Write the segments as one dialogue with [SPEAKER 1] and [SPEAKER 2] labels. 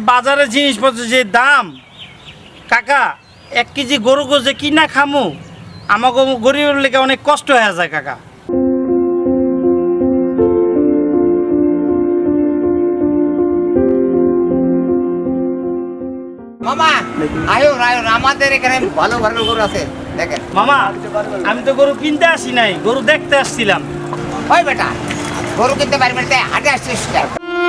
[SPEAKER 1] বাজারে জিনিসপত্র যে দাম কাকা, 1 কেজি গরু গোজে কিনা খামু, আমাকে গরিবের লেগে অনেক কষ্ট হয়ে যায় কাকা।
[SPEAKER 2] মামা আয়ো আয়ো, আমাদের এখানে ভালো ভালো গরু আছে দেখেন।
[SPEAKER 1] মামা আমি তো গরু কিনতে আসি নাই, গরু দেখতে আসছিলাম।
[SPEAKER 2] ওই বেটা, গরু কিনতে পারবি না, হাটে আসছিস কেন?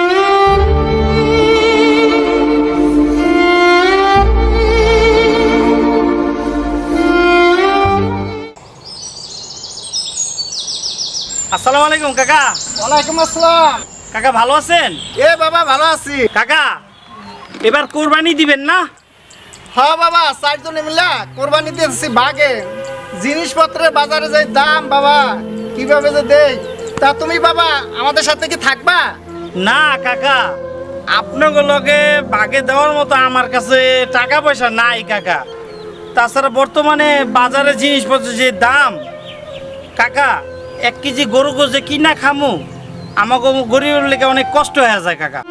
[SPEAKER 1] আসসালামু আলাইকুম কাকা।
[SPEAKER 3] ওয়ালাইকুম আসসালাম।
[SPEAKER 1] কাকা ভালো আছেন?
[SPEAKER 3] এ বাবা ভালো আছি।
[SPEAKER 1] কাকা এবার কোরবানি দিবেন না?
[SPEAKER 3] হ্যাঁ বাবা, 4 জনে মিলা কোরবানি দিতেছি ভাগে। জিনিসপত্রের বাজারে যে দাম বাবা, কিভাবে যে দেই, তা তুমি বাবা আমাদের সাথে কি থাকবা?
[SPEAKER 1] না কাকা, আপনাকে লগে বাগে দেওয়ার মতো আমার কাছে টাকা পয়সা নাই কাকা। তাছাড়া বর্তমানে বাজারে জিনিসপত্র যে দাম কাকা, 1 কেজি গরু গোজে কিনা খামু, আমাকে গরিবের লেগে অনেক কষ্ট হয়ে যায় কাকা।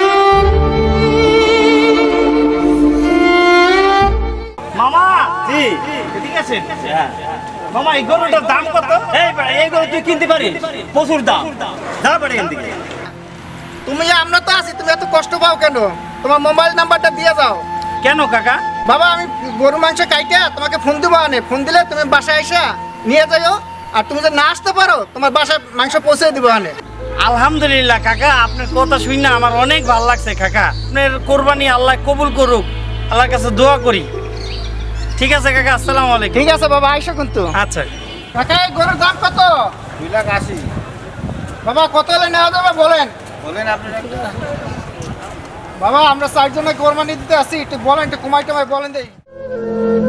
[SPEAKER 1] মামা জি ঠিক আছে। মামা এই গরুটার দাম কত?
[SPEAKER 4] এই গরু তুই কিনতে পারিস, প্রচুর দাম। যা পারে এখান থেকে।
[SPEAKER 3] তুমি আমরা তো আছি, তুমি এত কষ্ট পাও কেন? তোমার মোবাইল নাম্বারটা দিয়ে যাও।
[SPEAKER 1] কেন কাকা?
[SPEAKER 3] বাবা আমি গরু মাংস কাইটা তোমাকে ফোন দেবো, আনে ফোন দিলে তুমি বাসায় এসে নিয়ে যাও। আর তুমি যদি না আসতে পারো, তোমার বাসায় মাংস পৌঁছে দিব আনে।
[SPEAKER 1] আলহামদুলিল্লাহ কাকা, আপনার কথা শুনে আমার অনেক ভালো লাগছে কাকা। আপনার কোরবানি আল্লাহ কবুল করুক, আল্লাহর কাছে দোয়া করি। ঠিক আছে কাকা, আসসালামু আলাইকুম।
[SPEAKER 3] ঠিক আছে বাবা, আইসো কিন্তু।
[SPEAKER 1] আচ্ছা
[SPEAKER 3] কাকা এই গরুর দাম কত?
[SPEAKER 2] 2,80,000
[SPEAKER 3] বাবা কত হলে নেওয়া যাবে বলেন?
[SPEAKER 2] বলেন আপনার একটা।
[SPEAKER 3] বাবা আমরা 4 জনে কোরবানি দিতে আসি, একটু বলেন, একটু কমাই টমাই বলেন দেই।